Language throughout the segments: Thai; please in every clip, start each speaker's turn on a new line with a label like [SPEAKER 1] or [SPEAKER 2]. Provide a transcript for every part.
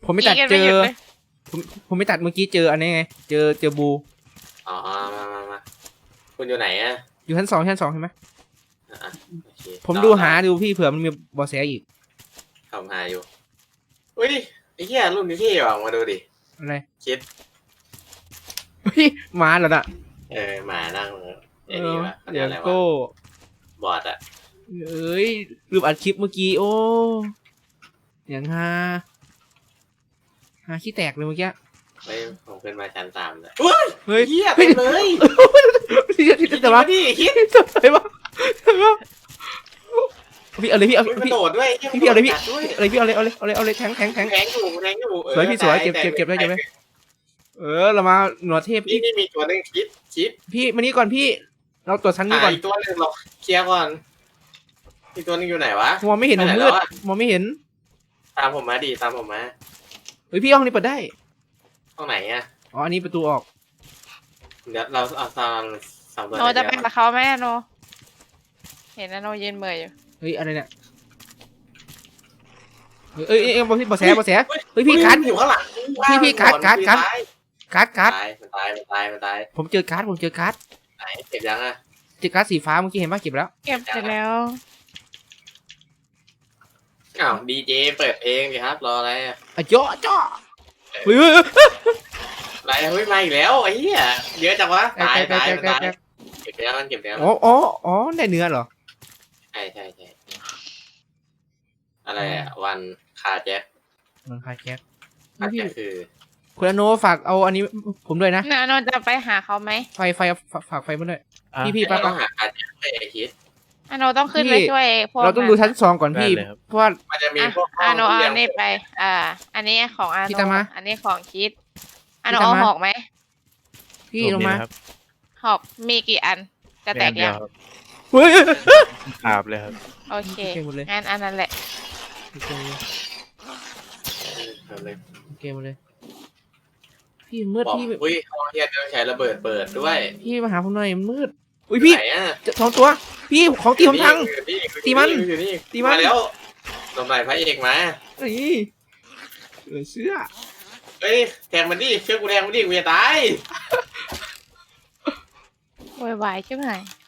[SPEAKER 1] ผมไม่ตัดเจอผมไม่ตัดเมื่อกี้เจออันนี้ไงเจอบู
[SPEAKER 2] อ๋อมาคุณอยู่ไหนอ่ะ
[SPEAKER 1] อยู่ชั้นสองเห็นไหม
[SPEAKER 2] โอเค
[SPEAKER 1] ผมดูหาดูพี่เผื่อมันมีเบาะแสอีก
[SPEAKER 2] ทำหาอยู่อุ้ยไอ้เหี้ยรุ่นนี้ที่หวังมาดูดิ
[SPEAKER 1] อะไร
[SPEAKER 2] คิด
[SPEAKER 1] พี่มาแล้วน่ะ
[SPEAKER 2] หมานั่งไอ้นี่วะ
[SPEAKER 1] เดี๋ยว
[SPEAKER 2] อะไรวะ
[SPEAKER 1] โก้
[SPEAKER 2] บอดอ่ะ
[SPEAKER 1] เอ้ยลืมอัดคลิปเมื่อกี้โอ้อย่างฮาขี้แตกเลยเมื่อกี้
[SPEAKER 2] ไม่ผมขึ้นมาชั้น3เลย
[SPEAKER 1] เฮ้ย
[SPEAKER 2] เหี้ยเต็มเลย
[SPEAKER 1] พี่แต่ว่า
[SPEAKER 2] พี่คิด
[SPEAKER 1] แต่ว่าพี่เอาเลยพี่เอา
[SPEAKER 2] มันกระ
[SPEAKER 1] พี่
[SPEAKER 2] โดดด้วย
[SPEAKER 1] พี่เอาเลยพี่
[SPEAKER 2] กัดด้วย
[SPEAKER 1] อะไรพี่เอาเลยแทง
[SPEAKER 2] แทงอยู่
[SPEAKER 1] สวยพี่สวยเก็บได้เรามาหนวดเทพ
[SPEAKER 2] นี่มีตัวนึงคิด
[SPEAKER 1] พี่มานี่ก่อนพี่เราตรวจชั้นนี้ก่อน
[SPEAKER 2] อีกตัวนึงเราเคลียร์ก่อนอีกตัวนึงอยู่ไหนวะ
[SPEAKER 1] มองไม่เห็นผมมืดมองไม่เห็น
[SPEAKER 2] ตามผมมาดิตามผมมา
[SPEAKER 1] เฮ้ยพี่ห้องนี้เปิดได้
[SPEAKER 2] ห้องไหนอ่ะ
[SPEAKER 1] อ๋ออันนี้ประตูออก
[SPEAKER 2] เดี๋ยวเราเอาสามตัว
[SPEAKER 3] โนจะไปกับเขาไหมโนเห็นนะโนยืนเมื่อยอยู่
[SPEAKER 1] เฮ้ยอะไรเนี่ยเอ้ยพี่บอแสเฮ้ยพี่การ์ด
[SPEAKER 2] อยู่ข้างหลัง
[SPEAKER 1] พี่การ์ด
[SPEAKER 2] มันตาย
[SPEAKER 1] ผมเจอการ์ด
[SPEAKER 2] ไหนเก็บยังอ่ะ
[SPEAKER 1] เจอการ์ดสีฟ้าเมื่อกี้เห็นป่ะเก็บแล้ว
[SPEAKER 3] เก็บเสร็จแล้ว
[SPEAKER 2] อ้าวดีเจเปิดเพลงดิครับรออะไรอ่ะ
[SPEAKER 1] จ่อเฮ้ย
[SPEAKER 2] อะไรเฮ้ยมาอีกแล้วไอ้เหี้ยเยอะจังวะตายเก็บแล้ว
[SPEAKER 1] อ๋อได้เนื้อเหรอ
[SPEAKER 2] ใช่อะไรอ่ะวันคาแจ็ค
[SPEAKER 1] มันคาแจ็ค
[SPEAKER 2] คาแจ็คคือ
[SPEAKER 1] คุณอโนฝากเอาอันนี้ผมด้วยนะ
[SPEAKER 3] โนจะไปหาเขาไหม
[SPEAKER 1] ไฟฝากไฟมาด้วยพี่
[SPEAKER 2] ไม่
[SPEAKER 1] ปะ
[SPEAKER 2] ต้องหาคาแจ็คเลยไอ้คิด
[SPEAKER 3] โนต้องขึ้นไปช่วยพวก
[SPEAKER 1] เราต้องดูชั้นสองก่อนพี่เพราะว่า
[SPEAKER 2] มันจะมีพวก
[SPEAKER 3] โนเอาอันนี้ไปอันนี้ของโนอันนี้ของคิดโนเอาหอกไหม
[SPEAKER 1] พี่ลงมา
[SPEAKER 3] หอกมีกี่อันจะแตกยัง
[SPEAKER 1] เฮ้ย
[SPEAKER 4] อาบเลยครับ
[SPEAKER 3] โอเค
[SPEAKER 1] โอเคหมดเลย
[SPEAKER 3] งั้นอันนั้นแหละ
[SPEAKER 1] โอเคหมดเลยพี่มืด
[SPEAKER 2] บอก
[SPEAKER 1] พี่
[SPEAKER 2] อุ้ยห้องเฮียต้องใช้ระเบิดเปิดด้วย
[SPEAKER 1] พี่มาหาผมหน่อยมืดอุ้ยพี่
[SPEAKER 2] ไหนอ่ะ
[SPEAKER 1] สองตัวพี่ของตีผมพัง ตีมัน
[SPEAKER 2] อยู่นี่
[SPEAKER 1] ตีมัน
[SPEAKER 2] มาแล้วลงไปพระเอกมา
[SPEAKER 1] นี่เสื้อ
[SPEAKER 2] เฮ้ยแทงมันดิเชื่อกูแทงมันดิกูจะตาย
[SPEAKER 3] โวยวายใช่ไหม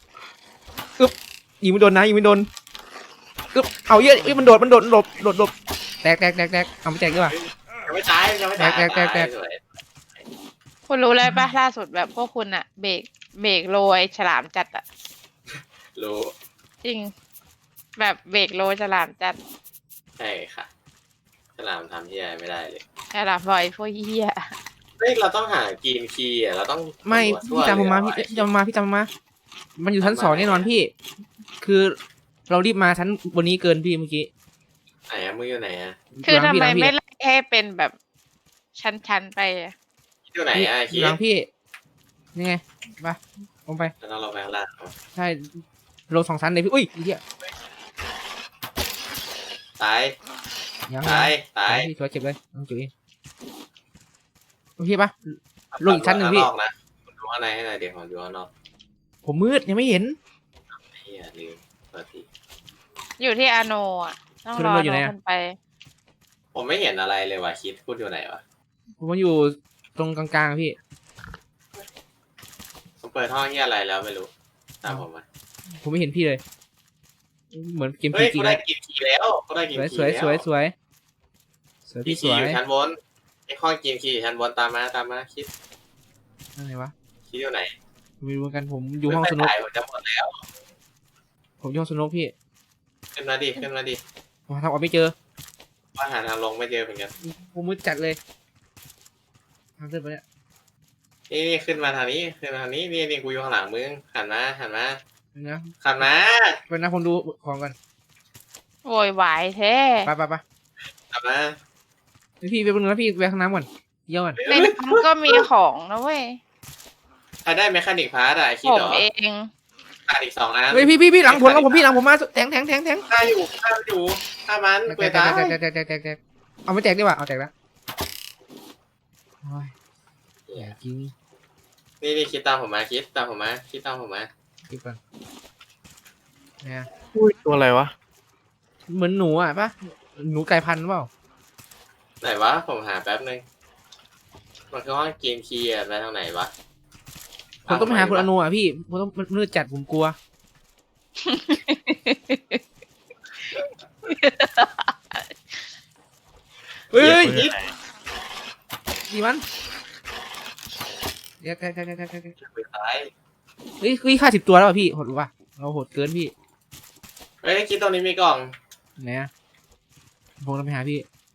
[SPEAKER 1] ยิงไม่โดนนะยิงไม่โดนเอาเยอะมันโดดหลบแตกเอาไม่แตกดีกว่า
[SPEAKER 2] ยังไม่ตาย
[SPEAKER 1] แตก
[SPEAKER 2] สวย
[SPEAKER 3] คุณรู้เลยปะล่าสุดแบบพวกคุณอะเบรกโรยฉลามจัดอะ
[SPEAKER 2] รู้
[SPEAKER 3] จริง แบบเบรกโรยฉลามจัด
[SPEAKER 2] ใช่ค่ะฉลามทำที่อะไรไม่ได้เลย
[SPEAKER 3] ฉลามลอยพวกเหี้ย
[SPEAKER 2] เฮ้ยเราต้องหากินคีย์อ่ะเราต้อง
[SPEAKER 1] ไม่พี่จำผมมาพี่จำมามันอยู่ชั้นสองแน่นอนพี่ คือเรารีบมาชั้นบนนี้เกินพี่เมื่อกี้
[SPEAKER 2] ไหนอะมึงอยู่ไหนอะ
[SPEAKER 3] คือทำไมไม่ไล่ให้เป็นแบบชั้นๆไปอะ
[SPEAKER 2] อยู่ไหนอะ
[SPEAKER 1] อ
[SPEAKER 2] คี
[SPEAKER 1] ยู่หลังพี่นี่ไงไปลงไป
[SPEAKER 2] เราต้องลงไปข้างล่าง
[SPEAKER 1] ใช่ลงสองชั้นเลยพี่อุ้ยเหี้ย
[SPEAKER 2] ตาย
[SPEAKER 1] ยัง
[SPEAKER 2] ตาย
[SPEAKER 1] พี่ตัวเจ็บเลยต้องจุ๋ยพี่ปะ ลงอีกชั้นหนึ่งพี่
[SPEAKER 2] ข้านอกนะคุณดูข้างในให้หน่อยเดี๋ยวผมดูข้างนอก
[SPEAKER 1] ผมมืดยังไม่เห็น
[SPEAKER 2] เฮียลืมเปิดที
[SPEAKER 3] อยู่ที่อาโนอะต้องรอ
[SPEAKER 1] อยู่ไหน
[SPEAKER 3] โน
[SPEAKER 1] อะ
[SPEAKER 3] ขึ้นไป
[SPEAKER 2] ผมไม่เห็นอะไรเลยว่ะคิดพูดอยู่ไหนวะ
[SPEAKER 1] ผมมาอยู่ตรงกลางๆพี่
[SPEAKER 2] ผมเปิดห้องเฮียอะไรแล้วไม่รู้ตามผมมา
[SPEAKER 1] ผมไม่เห็นพี่เลย เหมือนเกม
[SPEAKER 2] เฮ้ย
[SPEAKER 1] พีจี
[SPEAKER 2] กู
[SPEAKER 1] เล
[SPEAKER 2] ได้
[SPEAKER 1] ย
[SPEAKER 2] กินคีย์แล้วกูได้กินคีย์
[SPEAKER 1] สวย
[SPEAKER 2] แล้ว
[SPEAKER 1] พี่ส
[SPEAKER 2] คี
[SPEAKER 1] ว
[SPEAKER 2] ย์
[SPEAKER 1] ย
[SPEAKER 2] อยู่ชั้นบนไอ้ห้องกินคีย์อยู่ชั้นบนตามมาคิด
[SPEAKER 1] อะไรวะ
[SPEAKER 2] คิดอยู่ไหน
[SPEAKER 1] ไม่รู้เหมือนกันผมอยู่ห้องสนุก
[SPEAKER 2] ไม่ไปผมจะหมดแล้ว
[SPEAKER 1] ผมอยู่ห้องสนุกพี่
[SPEAKER 2] ขึ้นมาดิ
[SPEAKER 1] ผมทำออกไม่เจอ
[SPEAKER 2] ว่าหาทางลงไม่เจอเหมือนกัน
[SPEAKER 1] ผมมืดจัดเลยทางเดินไปเนี่ย
[SPEAKER 2] นี่ขึ้นมาทางนี้นี่กูอยู่ข้างหลังมึงหันมา
[SPEAKER 1] นะ เป็นนะผมดูของกัน
[SPEAKER 3] โวยวายแท้
[SPEAKER 1] ไป
[SPEAKER 2] หันมา
[SPEAKER 1] พี่ไปบนนู้นพี่ไปข้างน้ำก่อนเยี่ยวก่อน
[SPEAKER 3] ในน้ำก็มีของนะเว้ย
[SPEAKER 2] ใครได้เมคานิกพาร์ตอะคิด
[SPEAKER 3] ผม
[SPEAKER 2] เหรอ
[SPEAKER 3] เอง
[SPEAKER 2] ขาดอีก2 อัน
[SPEAKER 1] เฮ้ยพี่หลังผมพี่หลังผมมาแทง
[SPEAKER 2] ฆ่าอยู่ฆ่ามันเปิดตาย
[SPEAKER 1] แตกเอาไม่แตกดีกว่าเอาแตกแล้วโอ้ยจริง
[SPEAKER 2] นี่คิดตามผมมาคิดตามผมมา
[SPEAKER 1] คิดก่อนเนี่ย
[SPEAKER 4] อุ้ยตัวอะไรวะ
[SPEAKER 1] เหมือนหนูอ่ะปะหนูไก่พันธุ์เปล่า
[SPEAKER 2] ไหนวะผมหาแป๊บนึงมันคือห้องเกมคีย์อะไปทางไหนวะ
[SPEAKER 1] ผมต้องไปหาคุณอโนอ่ะพี่ผมต้องมันมืดจัดผมกลัวเฮ้ย
[SPEAKER 2] ยิบ
[SPEAKER 1] ดีมันเดี๋ยวแก
[SPEAKER 2] ไปซ้าย
[SPEAKER 1] เฮ้ยฆ่า10 ตัวแล้วอ่ะพี่โหดว่ะเราโหดเกินพี่
[SPEAKER 2] เฮ้ยคิดตรงนี้มีกล่อง
[SPEAKER 1] ไหนอะผมต้องไปหาพี่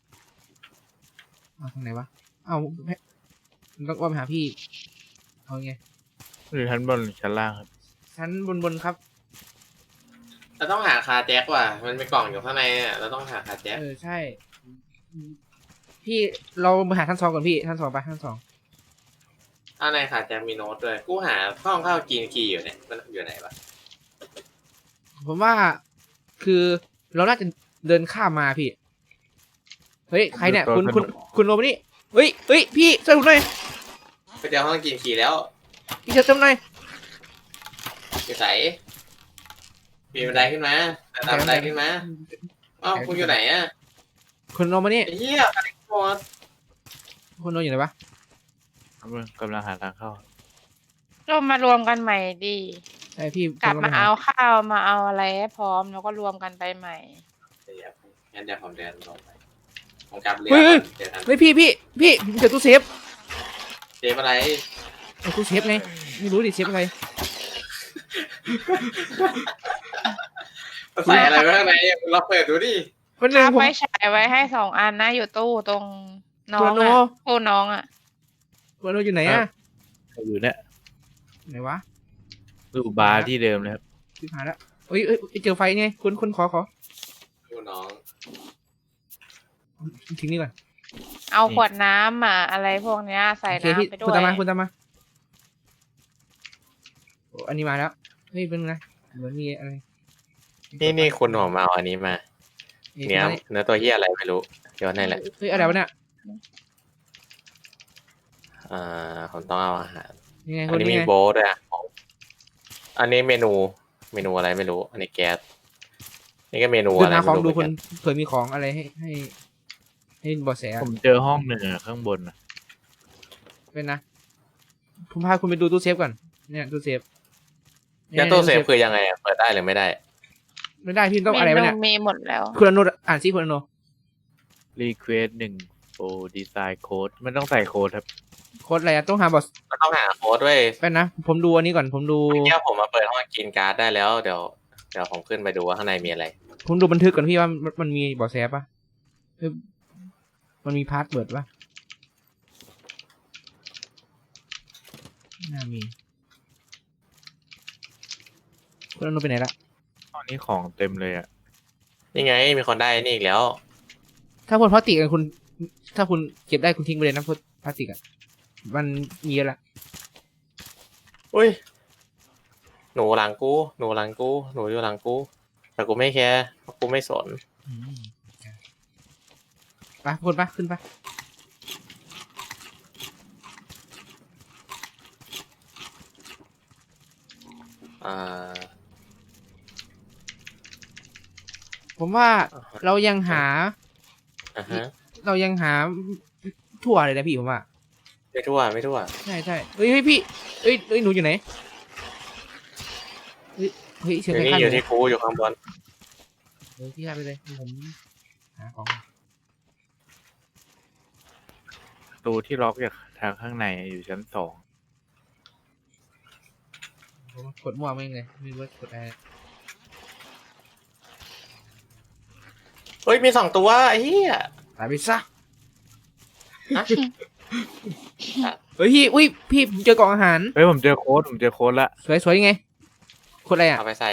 [SPEAKER 1] เอาทางไหนวะเอาต้องว่าไปหาพี่เอาไง
[SPEAKER 4] หรือชั้นบนหรือชั้นล่างครับ
[SPEAKER 1] ชั้นบนครับ
[SPEAKER 2] เราต้องหาคาแจ็คว่ะมันมีกล่องอยู่ข้างในอ่ะเราต้องหาคาแจ็ค
[SPEAKER 1] ใช่พี่เรามาหาชั้น 2ก่อนพี่ชั้น 2ไปชั้น 2
[SPEAKER 2] ข้างในคาแจ็คมีโน้ตด้วยกูหาห้องเข้ากินคีย์อยู่เนี่ยมันอยู่ไหนวะ
[SPEAKER 1] ผมว่าคือเราน่าจะเดินข้ามมาพี่เฮ้ยใครเนี่ยคุณโรมานี่เฮ้ยพี่ช่วยผมหน่อย
[SPEAKER 2] ไปเจอห้องกินคีย์แล้ว
[SPEAKER 1] พี่ช่วยผมหน่อย
[SPEAKER 2] อยู่ไหนปีนบันไดขึ้นมาตามบันไดขึ้นมาอ้าวคุณอยู่ไหนอ่ะ
[SPEAKER 1] คุณโรมานี่
[SPEAKER 2] ไอ้เหี้ยคาแจ็คหมด
[SPEAKER 1] คุณโรอยู่ไหนวะ
[SPEAKER 4] กำลังหาทางเข้า
[SPEAKER 3] เรามารวมกันใหม่ดี
[SPEAKER 1] ใช่พี่
[SPEAKER 3] กลับ
[SPEAKER 1] คุณโร
[SPEAKER 3] มาเอาข้าวมาเอาอะไรให้พร้อมแล้วก็รวมกันไปใหม่
[SPEAKER 2] งั้นเดี๋ยวผมเดินลงไปผมกลับเรือเดี๋ยวทัน
[SPEAKER 1] เฮ้ยพี่ผมเจอตู้เซฟ
[SPEAKER 2] เจมอะไร
[SPEAKER 1] เอาตู้เซฟไงไม่รู้ดิเซฟอะไร
[SPEAKER 2] ใส่อะไรไว้ข้างในเราเปิดดูดิ
[SPEAKER 1] วันหนึ่ง
[SPEAKER 3] ถ้า
[SPEAKER 1] ผม
[SPEAKER 3] ไฟฉายไว้ให้2 อันนะอยู่ตู้ตรงน้อ
[SPEAKER 1] คุณ
[SPEAKER 3] ง
[SPEAKER 1] โร
[SPEAKER 3] อ่ะตู้น้องอ่ะ
[SPEAKER 1] คุณโรอยู่ไหนอะ
[SPEAKER 4] อยู่เนี่ย
[SPEAKER 1] ไหนวะ
[SPEAKER 4] อยู่บาร์ที่เดิมเลยครับ
[SPEAKER 1] พี่ผ่านแล้วเฮ้ยเจอไฟไงคุณขอ
[SPEAKER 2] ดูน้อง
[SPEAKER 1] ทิ้งนี่ก่อน
[SPEAKER 3] เอาขวดน้ำอ่ะอะไรพวกเนี้ยใส่
[SPEAKER 1] โอเคพี่
[SPEAKER 3] น้ำไปด้
[SPEAKER 1] คุ
[SPEAKER 3] ว
[SPEAKER 1] ณ
[SPEAKER 3] ย
[SPEAKER 1] ตามมาโอ้อันนี้มาแล้วเฮ้ยเป็นไงเหมือนมีอะไร
[SPEAKER 2] นี่คุณผมเอาอันนี้มา
[SPEAKER 1] เอ้ย
[SPEAKER 2] เนื้อตัวเหี้ยอะไรไม่รู้โยนให้แหละ
[SPEAKER 1] เฮ้ยอะไรวะเนี่ย
[SPEAKER 2] ผมต้องเอาอาหาร
[SPEAKER 1] ยังไง
[SPEAKER 2] อั
[SPEAKER 1] คน
[SPEAKER 2] นนี้
[SPEAKER 1] นี้
[SPEAKER 2] มี
[SPEAKER 1] ไง
[SPEAKER 2] โบสด้วยอันนี้เมนูอะไรไม่รู้ อันนี้แก๊สนี่ก็เมนู
[SPEAKER 1] เดิ
[SPEAKER 2] อะ
[SPEAKER 1] น
[SPEAKER 2] ไร
[SPEAKER 1] หาของ
[SPEAKER 2] ไม่
[SPEAKER 1] ดู
[SPEAKER 2] รู้
[SPEAKER 1] คนเผื่อมีของอะไรให้เบาะแส
[SPEAKER 4] ผมเจอห้องหนึ่งอะข้างบนอะ
[SPEAKER 1] เป็นนะผมพาคุณไปดูตู้เซฟก่อนเนี่ยตู้เซฟ
[SPEAKER 2] แล้วตู้เซฟคือยังไงเปิดได้หรือไม่ได้
[SPEAKER 1] ไม่ได้พี่ต้องอะไรวะเนี่ย
[SPEAKER 3] มีหมดแล้ว
[SPEAKER 1] คุณอนุอ่านซิคุณอนุ
[SPEAKER 4] รีเควส1 โปรดีไซน์โค้ดมันต้องใส่โค้ดครับ
[SPEAKER 1] โค้ดอะไรอะต้องหาบอส
[SPEAKER 2] ก็ต้องหาโค้ดด้วย
[SPEAKER 1] เป็นนะผมดูอันนี้ก่อนผมดู
[SPEAKER 2] เนี่ยผมมาเปิดห้องกินการ์ดได้แล้วเดี๋ยวผมขึ้นไปดูว่าข้างในมีอะไร
[SPEAKER 1] ผมดูบันทึกก่อนพี่ว่ามันมีเบาะแสปะคือมันมีพาสเวิร์ดปะน่ามีคุณอนุไปไหนละ
[SPEAKER 4] ห้องนี้ของเต็มเลยอะ
[SPEAKER 2] นี่ไงมีคนได้นี่อีกแล้ว
[SPEAKER 1] ถ้าพวกพลาสติกอะคุณ ถ้าคุณเก็บได้คุณทิ้งไปเลยนะพวกพลาสติกอะมันมีเยอะละ
[SPEAKER 2] อุ้ยหนูหลังกูหนูอยู่หลังกูแต่กูไม่แคร์เพราะกูไม่สน
[SPEAKER 1] ไปคุณปะขึ้นปะ
[SPEAKER 2] อ่า
[SPEAKER 1] ผมว่าเรายังหา
[SPEAKER 2] อ่าฮะ
[SPEAKER 1] เรายังหาทั่วเลยนะพี่ผมว่า
[SPEAKER 2] ไม่ทั่ว
[SPEAKER 1] ใช่เฮ้ยพี่เฮ้ยหนูอยู่ไหนเฮ้ยเชิ
[SPEAKER 2] อ
[SPEAKER 1] ญ
[SPEAKER 2] ยู่
[SPEAKER 1] ใคร
[SPEAKER 2] นี่
[SPEAKER 1] ฆ่า
[SPEAKER 2] อ
[SPEAKER 1] ห
[SPEAKER 2] ยู่
[SPEAKER 1] นู
[SPEAKER 2] ที่กูอยู่ข้างบน
[SPEAKER 1] เฮ้ยพี่ฆ่าไปเลยผมหาของ
[SPEAKER 4] ประตูที่ล็อกจากทางข้างในอยู่ชั้น 2
[SPEAKER 1] ผมกดมั่วไม่เลยไม่รู้ว่ากดอะไร
[SPEAKER 2] เฮ้ยมี2ตัวไอ้เหี้ย
[SPEAKER 1] ตายไปซะ
[SPEAKER 2] ฮะ
[SPEAKER 1] เฮ้ยพี่อุ้ยพี่ผมเจอกล่องอาหาร
[SPEAKER 4] เฮ้ยผมเจอโค้ดละ
[SPEAKER 1] สวยยังไงโคตรอะไรอ่ะ
[SPEAKER 2] เอาไปใส่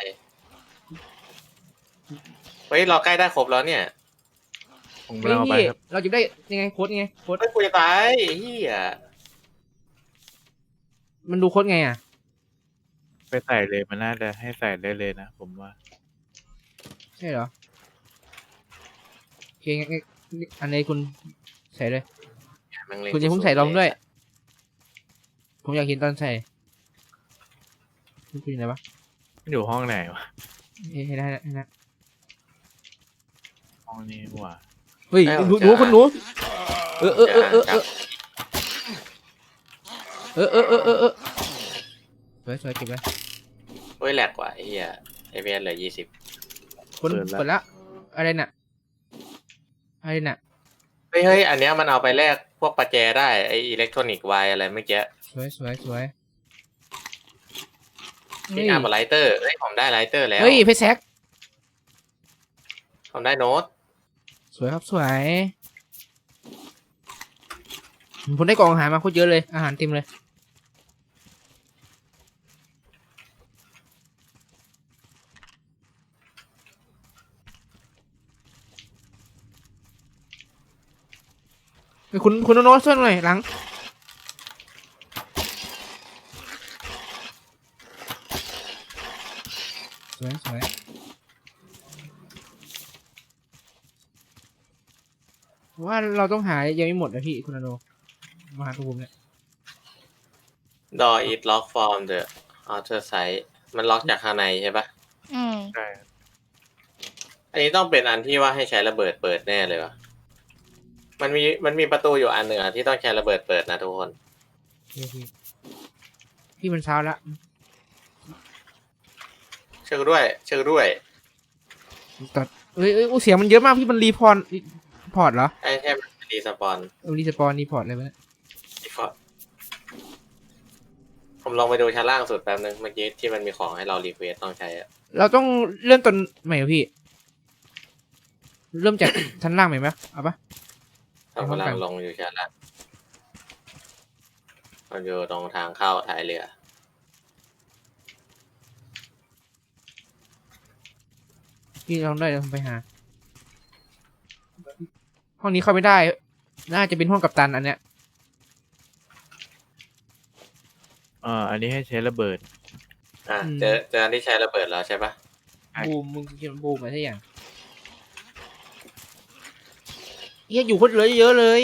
[SPEAKER 2] เฮ้ยเราใกล้ได้ครบแล้วเนี่ย
[SPEAKER 4] ผม
[SPEAKER 1] เฮ้ย
[SPEAKER 4] เอาไป
[SPEAKER 1] พี่
[SPEAKER 4] ครับ
[SPEAKER 1] เราจะได้ยังไงโค้ดไงโค้ด
[SPEAKER 2] เฮ้ยกูจะตายไอ้เหี้ย
[SPEAKER 1] มันดูโค้ดไงอ่ะ
[SPEAKER 4] ไปใส่เลยมันน่าจะให้ใส่ได้เลยนะผมว่า
[SPEAKER 1] ใช่เหรอโอเคงั้นอันนี้คุณใส่เลย
[SPEAKER 2] แม่งเล่น
[SPEAKER 1] คุณจะเพิ่งใส่รองด้วย ผมอยากเห็นตอนใส่คุณอยู่ไหนวะ
[SPEAKER 4] มันอยู่ห้องไหนวะ
[SPEAKER 1] ให้ได้
[SPEAKER 4] ห้องนี้หว่า
[SPEAKER 1] คเฮ้ย
[SPEAKER 2] เอ้า
[SPEAKER 1] หนู
[SPEAKER 2] จะ
[SPEAKER 1] คุณหนูเออเออเออเออเออเออเออเออเออเออสวยเก็บไว้
[SPEAKER 2] เฮ้ยแหลกกว่าไอ้เหี้ยไอเวียนเหลือ20
[SPEAKER 1] คนเปิดละอะไรน่ะอะไรน่ะ
[SPEAKER 2] เฮ้ยอันเนี้ยมันเอาไปแลกพวกประแจได้ไออิเล็กทรอนิกส์ไวอะไรเมื่อกี้
[SPEAKER 1] สวย
[SPEAKER 2] ที่อาร์มไลเตอร์เฮ้ยผมได้ไลเตอร์แล้ว
[SPEAKER 1] เฮ้ยเพชรแซก
[SPEAKER 2] ผมได้โน้ต
[SPEAKER 1] สวยครับสวยผมได้กล่องอาหารมาโคตรเยอะเลยอาหารเต็มเลยเฮ้ยคุณโน้ตช่วยหน่อยหลังสวยว่าเราต้องหายังไม่หมดนะพี่คุณอโนมาหาตัวผมเนี่ย
[SPEAKER 2] ดออิทล็อกฟอร์มเดอะอัลเทอร์ไซต์มันล็อกจากข้างในใช่ปะ
[SPEAKER 3] อืม
[SPEAKER 4] ใช่
[SPEAKER 2] อันนี้ต้องเป็นอันที่ว่าให้ใช้ระเบิดเปิดแน่เลยวะมันมีประตูอยู่อันหนึ่งอะที่ต้องใช้ระเบิดเปิดนะทุกคน
[SPEAKER 1] พี่มันเช้าละ
[SPEAKER 2] เชื่อด้วย
[SPEAKER 1] ตัดเอ้ยอู้เสียงมันเยอะมากพี่มันรีพอร์ตเหรอ
[SPEAKER 2] ไอ้แค่มันรีสปอน
[SPEAKER 1] รีสปอนรีพอร์ตอะไรวะเนี่ย
[SPEAKER 2] ดีฟอร์ผมลองไปดูชั้นล่างสุดแป๊บนึงเมื่อกี้ที่มันมีของให้เรารีเควสต้องใช้อะ
[SPEAKER 1] เราต้องเริ่มต้นใหม่เหรอพี่ เริ่มจาก ชั้นล่างใหม่ไหมเอาปะ
[SPEAKER 2] ผมกำลังลงอยู่ชั้นล่างมันอยู่ตรงทางเข้าท้ายเรือ
[SPEAKER 1] พี่ลองได้เดี๋ยวผมไปหา ห้องนี้เข้าไม่ได้ น่าจะเป็นห้องกัปตันอันเนี้ย
[SPEAKER 4] อันนี้ให้ใช้ระเบิด
[SPEAKER 2] เจออันที่ใช้ระเบิดแล้วใช่ปะ
[SPEAKER 4] ใช่
[SPEAKER 1] บูมมึงกินบูมอะไรสักอย่างเฮียอยู่คนเหลือเยอะเลย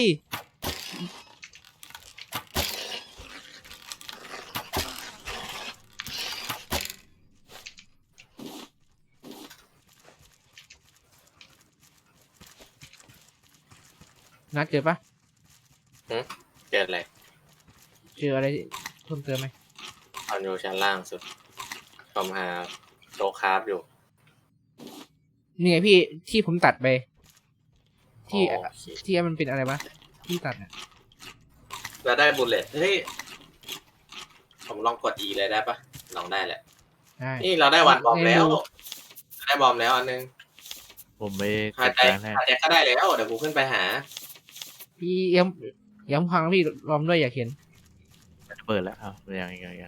[SPEAKER 1] นัดเจอปะ
[SPEAKER 2] เจออะไร
[SPEAKER 1] เจออะไรเพิ่มเติมไหม
[SPEAKER 2] ตอนอยู่ชั้นล่างสุดผมหาโลคาร์บอยู่
[SPEAKER 1] นี่ไงพี่ที่ผมตัดไปที่
[SPEAKER 2] โอเค
[SPEAKER 1] ที่มันเป็นอะไรวะที่ตัดเนี่ย
[SPEAKER 2] เราได้บุลเลตเฮ้ยผมลองกด E เลยได้ปะลองได้แหละ
[SPEAKER 1] ได้
[SPEAKER 2] นี่เราได้วันบอมแล้ว
[SPEAKER 1] ในรู
[SPEAKER 2] ได้บอมแล้วอันนึง
[SPEAKER 4] ผมไป
[SPEAKER 2] หา
[SPEAKER 4] จัด
[SPEAKER 2] ใจ
[SPEAKER 4] การให้
[SPEAKER 2] หาใจก็ได้แล้วเดี๋ยวกูขึ้นไปหา
[SPEAKER 1] พี่ย้ำพังพี่ล้อมด้วยอยากเห็น
[SPEAKER 4] ระเบิดแล้วอ้าวยัง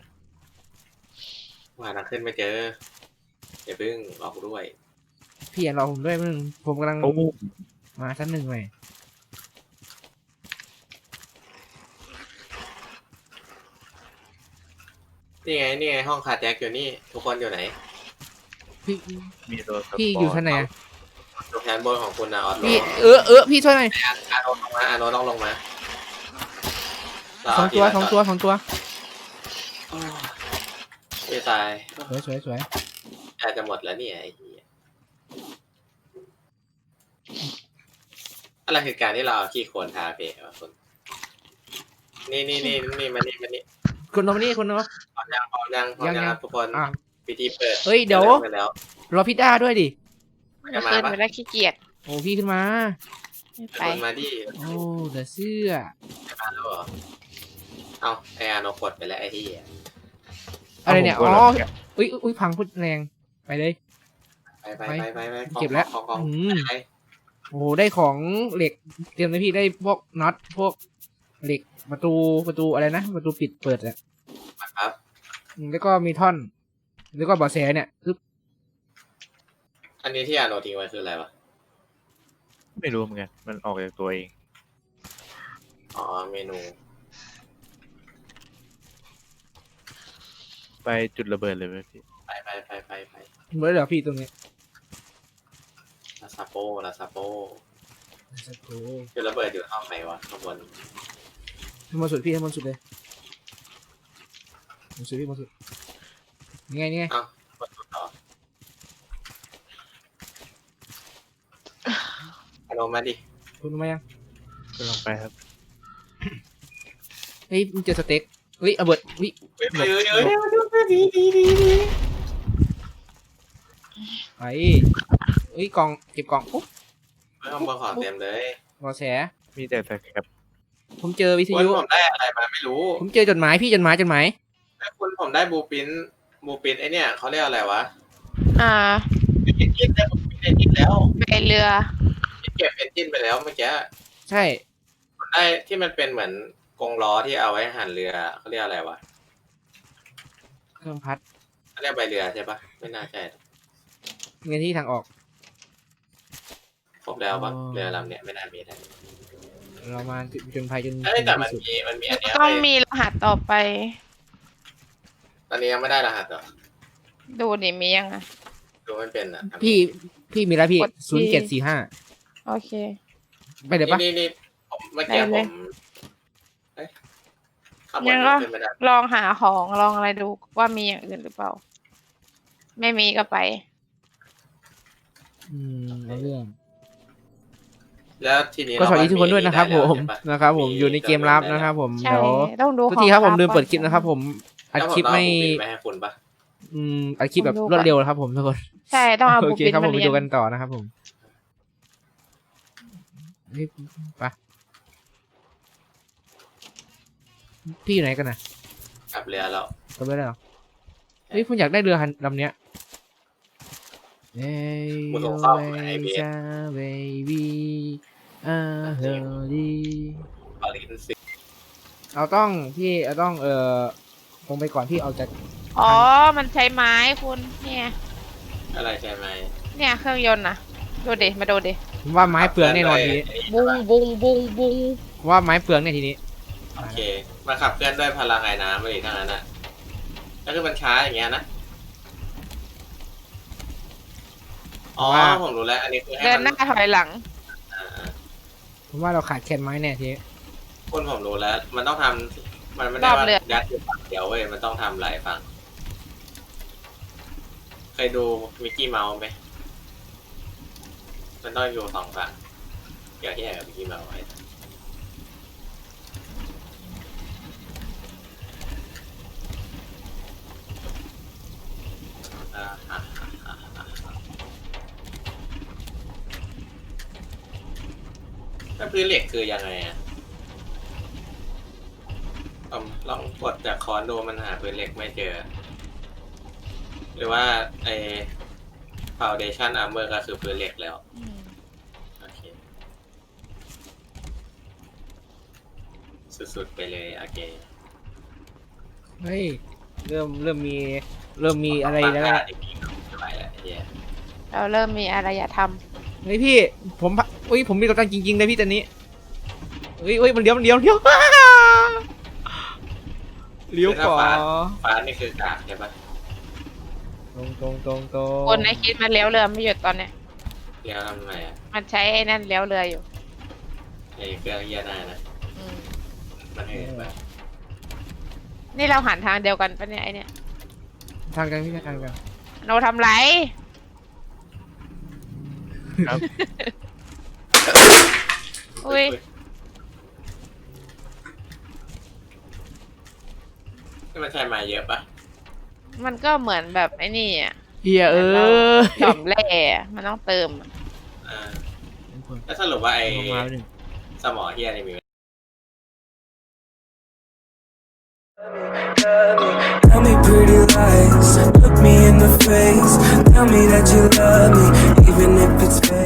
[SPEAKER 2] ว่าทางขึ้นไม่เจออย่าเพิ่งออกด้วย
[SPEAKER 1] พี่อย่ารอผมด้วยมึงผมกำลัง
[SPEAKER 4] โอ้
[SPEAKER 1] มาชั้นหนึ่งใหม่
[SPEAKER 2] นี่ไงห้องคาแจ็คอยู่นี่ทุกคนอยู่ไหน
[SPEAKER 1] พี่
[SPEAKER 4] มีตัวสปร์
[SPEAKER 1] พี่อยู่ชั้นไหนอะ
[SPEAKER 2] อยู่ชั้นบนของคุณนะออสโล
[SPEAKER 1] พี่พี่ช่วยหน่อย
[SPEAKER 2] อาโนลงมาอาโนต้องลงมาเรา
[SPEAKER 1] สอ
[SPEAKER 2] เอา
[SPEAKER 1] งตัว
[SPEAKER 2] ทีละ
[SPEAKER 1] สองตัวสองตัว
[SPEAKER 2] โอ้ยไม่ตาย
[SPEAKER 1] สวย
[SPEAKER 2] อาจจะหมดแล้วเนี่ยไอ้เหี้ยอะไรคือการที่เราเอาขี้โคลนทาเพวะคุณนี่มานี่
[SPEAKER 1] คุณน้องนี่คุณน้อง
[SPEAKER 2] พร้อมยังครับทุกคน
[SPEAKER 1] อ่ะ
[SPEAKER 2] พิธีเปิด
[SPEAKER 1] เฮ้ยเดี๋ยว
[SPEAKER 2] ไปแล้ว
[SPEAKER 1] รอพี่ด้าด้วยดิ
[SPEAKER 3] เมื่อคืนไปแล้วขี้เกียจ
[SPEAKER 1] โอ้พี่ขึ้นมา
[SPEAKER 3] ไม่
[SPEAKER 2] ทุก
[SPEAKER 3] ไป
[SPEAKER 2] คนมาดิ
[SPEAKER 1] โอ้เดือเสื้อ
[SPEAKER 2] มาแล้วเหรอเอาไออาโนกดไปแล้วไอ้ที่
[SPEAKER 1] อะไรเนี่ย
[SPEAKER 4] ผม
[SPEAKER 1] อ๋
[SPEAKER 4] ก
[SPEAKER 1] อ
[SPEAKER 4] ดแล้ว
[SPEAKER 1] อุ้ยพังพูดแรงไปเลย
[SPEAKER 2] ไป
[SPEAKER 1] เก็บแล้ว
[SPEAKER 2] ของ
[SPEAKER 1] อืม
[SPEAKER 2] ไป
[SPEAKER 1] โอ้ได้ของเหล็กเตรียมเลยพี่ได้พวกน็อตพวกเหล็กประตูอะไรนะประตูปิดเปิดอ่ะ
[SPEAKER 2] ครับ
[SPEAKER 1] แล้วก็มีท่อน แล้วก็เบาะแสเนี่ยคือ
[SPEAKER 2] อันนี้ที่อาโนทิ้งไว้คืออะไรวะ
[SPEAKER 4] ไม่รู้เหมือนกันมันออกจากตัวเอง
[SPEAKER 2] อ๋อเมนู
[SPEAKER 4] ไปจุดระเบิดเลยไหมพี่
[SPEAKER 2] ไป
[SPEAKER 1] เหมือนเดี๋ยวพี่ตรงนี้
[SPEAKER 2] ลาซาโปคือระเบิดอยู่ห้องไหนวะข้างบน
[SPEAKER 1] ทำมาสุดพี่ทำมาสุดเลยมาสุดพี่มาสุดนี่ไง
[SPEAKER 2] อ้าวกดต่ออาโนมาดิ
[SPEAKER 1] คุณมายัง
[SPEAKER 4] ก็ลงไปครับ
[SPEAKER 1] เฮ้ยมันเจอสเต็กเฮ้ยเอาเบิร์ดเฮ้ย
[SPEAKER 2] เฮ้ยดี
[SPEAKER 1] ไปเฮ้ยกล่องเก็บกล่องปุ๊บ
[SPEAKER 2] ไม่ต้องมาขอเต็มเลย
[SPEAKER 1] บอแส
[SPEAKER 4] มีแต่สแครป
[SPEAKER 1] ผมเจอวิท
[SPEAKER 2] คุณ
[SPEAKER 1] ยุ
[SPEAKER 2] ผมได้อะไรมาไม่รู้
[SPEAKER 1] ผมเจอจดหมายพี่จดหมาย
[SPEAKER 2] ไอ้คุณผมได้บูปินไอเนี่ยเขาเรียกอะไรวะ
[SPEAKER 3] อ่า
[SPEAKER 2] เอนจินได้บูปินเอนจินแล้ว
[SPEAKER 3] ใบเรือ
[SPEAKER 2] เก็บเอนจินไปแล้วเมื่อกี้
[SPEAKER 1] ใช่
[SPEAKER 2] ผมได้ที่มันเป็นเหมือนกรงล้อที่เอาไว้หันเรือเขาเรียกอะไรวะ
[SPEAKER 1] เครื่องพัด
[SPEAKER 2] เขาเรียกใบเรือใช่ปะไม่น่าใช่
[SPEAKER 1] เงินที่ทางออก
[SPEAKER 2] ครบแล้วปะ
[SPEAKER 1] อ๋อ
[SPEAKER 2] เรือลำเนี้ยไม่น่ามีได้
[SPEAKER 1] เรามาจนภัยจน
[SPEAKER 2] เอ้ยแต่มัน
[SPEAKER 1] ที่สุด
[SPEAKER 2] มีอันเนี้ย
[SPEAKER 3] ต้องมีรหัสต่อไป
[SPEAKER 2] ตอนนี้ยังไม่ได้รหัสหรอ
[SPEAKER 3] ดูดิมียังอ่ะ
[SPEAKER 2] ดูไม่เป็นอ่ะ
[SPEAKER 1] พี่มีแล้วพี่
[SPEAKER 3] กดที่
[SPEAKER 1] 0745
[SPEAKER 3] โอเค
[SPEAKER 1] ไปเดี๋ยวปะ
[SPEAKER 2] นี่ผมเมื่อกี้
[SPEAKER 3] ได้
[SPEAKER 2] ผ
[SPEAKER 3] เลย
[SPEAKER 2] มเอ้ยข้างบน
[SPEAKER 3] ยังก็
[SPEAKER 2] ขึ้นไม่ได้
[SPEAKER 3] ลองหาของลองอะไรดูว่ามีอย่างอื่นหรือเปล่า ไม่มีก็ไป
[SPEAKER 1] เอาเรื่อง
[SPEAKER 2] แล้วทีนี้
[SPEAKER 1] ก็สวัสดีทุกคนด้วยนะครับ
[SPEAKER 2] ได้
[SPEAKER 1] ผม
[SPEAKER 2] แล้วใช่ปะ
[SPEAKER 1] นะครับผม
[SPEAKER 2] มี
[SPEAKER 1] อยู่ในเกมลับนะครับผม
[SPEAKER 3] ใช่
[SPEAKER 1] เดี๋ยว
[SPEAKER 3] ต้องดู
[SPEAKER 1] ทุกทีครับผมลืม
[SPEAKER 3] ก่อน
[SPEAKER 1] เปิดคลิปนะครับผมอัดคลิปไม่
[SPEAKER 2] แล้วผมเอาบูปินไปให้คุณปะ
[SPEAKER 1] อัดคลิปแบบรวดเร็วนะครับผมทุกคน
[SPEAKER 3] ใช่ต้องเอา
[SPEAKER 1] โอ
[SPEAKER 3] บู
[SPEAKER 1] เค
[SPEAKER 3] ปิน
[SPEAKER 1] ครับผม
[SPEAKER 3] มา
[SPEAKER 1] ไป
[SPEAKER 3] เรีย
[SPEAKER 1] ดูกัน
[SPEAKER 3] น
[SPEAKER 1] ต่อนะครับผมนี่ไปพี่อยู่ไหนกันนะ
[SPEAKER 2] กลับเรือแล้ว
[SPEAKER 1] กลับไปแล้วเหรอเฮ้ยคุณอยากได้เรือลำเนี้ยเอ้ย
[SPEAKER 2] มึงส่งเข้าไปไอ้เบส
[SPEAKER 1] เบบี้เฮดี
[SPEAKER 2] ปาลินสิ
[SPEAKER 1] เอาต้องลงไปก่อนพี่เอาจาก
[SPEAKER 3] อ๋อ มันใช้ไม้คุณ เนี่ย
[SPEAKER 2] อะไรใช่ไหม
[SPEAKER 3] เนี่ยเครื่องยนต์นะดูดิมาดูดิ
[SPEAKER 1] ผมว่าไม้เปลืองแน่นอนทีนี้
[SPEAKER 3] บุ้งบุ้งบุ้งบุ้ง
[SPEAKER 1] ผมว่าไม้เปลืองเนี่ยทีนี้
[SPEAKER 2] โอเคมาขับเคลื่อนด้วยพลังไอ้น้ำมาอีกทั้งนั้นอ่ะก็คือมันช้าอย่างเงี้ยนะอ๋อ
[SPEAKER 1] ว่า
[SPEAKER 2] ผมรู้แล้ว อันนี้คือให้
[SPEAKER 3] เดินห
[SPEAKER 2] มั
[SPEAKER 3] น้าถอยหลัง
[SPEAKER 2] อ่า
[SPEAKER 1] ผมว่าเราขาดแคลนไม้แน่ทีนี้
[SPEAKER 2] คนผมรู้แล้ว มันต้องทำมันไม่ได้
[SPEAKER 3] รอบ
[SPEAKER 2] ว่า
[SPEAKER 3] เรือ
[SPEAKER 2] ยัดอยู่ฝั่งเดียวเว้ยมันต้องทำหลายฝั่งเคยดูมิกกี้เมาส์ไหมมันต้องอยู่สองฝั่งเกี่ยวที่ไหนกับมิกกี้เมาส์ไว้ถ้าพื้นเหล็กคือยังไงอ่ะลองกดจากคอนดูมันหาพื้นเหล็กไม่เจอ หรือว่าไอ้ foundation armor ก็คือพื้นเหล็กแล้ว โอเค สุดๆไปเลย โอเค
[SPEAKER 1] เฮ้ยเริ่มมีอะไรแล้ว
[SPEAKER 2] ตั้ง
[SPEAKER 1] นะ
[SPEAKER 2] ค่าจริงๆไม่ไหวแล้วไอ้เหี้ย
[SPEAKER 3] เราเริ่มมีอะไรอย่าท
[SPEAKER 1] เฮ้ยพี่ผมมีกำลังจริงๆเลยพี่ตอนนี้เฮ้ยมันเลี้ยวเลี้ยวขวา
[SPEAKER 2] ฟ้านี่คือกากใช่ปะ
[SPEAKER 1] ตรง
[SPEAKER 3] ำคนในคิดมันเลี้ยวเรือไม่หยุดตอนเนี้ย
[SPEAKER 2] เรียกทำไมอ่ะ
[SPEAKER 3] มันใช้ไอ้นั่นเลี้ยวเรืออยู่
[SPEAKER 2] ไอ้เครื่องเหี้ยหน้านะ
[SPEAKER 3] อืม
[SPEAKER 2] มันเห็นปะ
[SPEAKER 3] นี่เราหันทางเดียวกันปะเนี่ยไอเนี่ย
[SPEAKER 1] ทางกันพี่ทางกัน
[SPEAKER 3] เราทำไร
[SPEAKER 4] ครับ
[SPEAKER 3] อุ้ย
[SPEAKER 2] นี่มันใช้ไม้เยอะปะ
[SPEAKER 3] มันก็เหมือนแบบไอ้นี่อ่ะ
[SPEAKER 1] เฮีย
[SPEAKER 3] หย่อมแร่อะมันต้องเติมอะ
[SPEAKER 2] อ่าแล้วสรุปว่าไอ้
[SPEAKER 1] มาหนึ่ง
[SPEAKER 2] สมอเฮียนี่มี
[SPEAKER 5] Tell me pretty lies, look me in the face. Tell me that you love me, even if it's fake.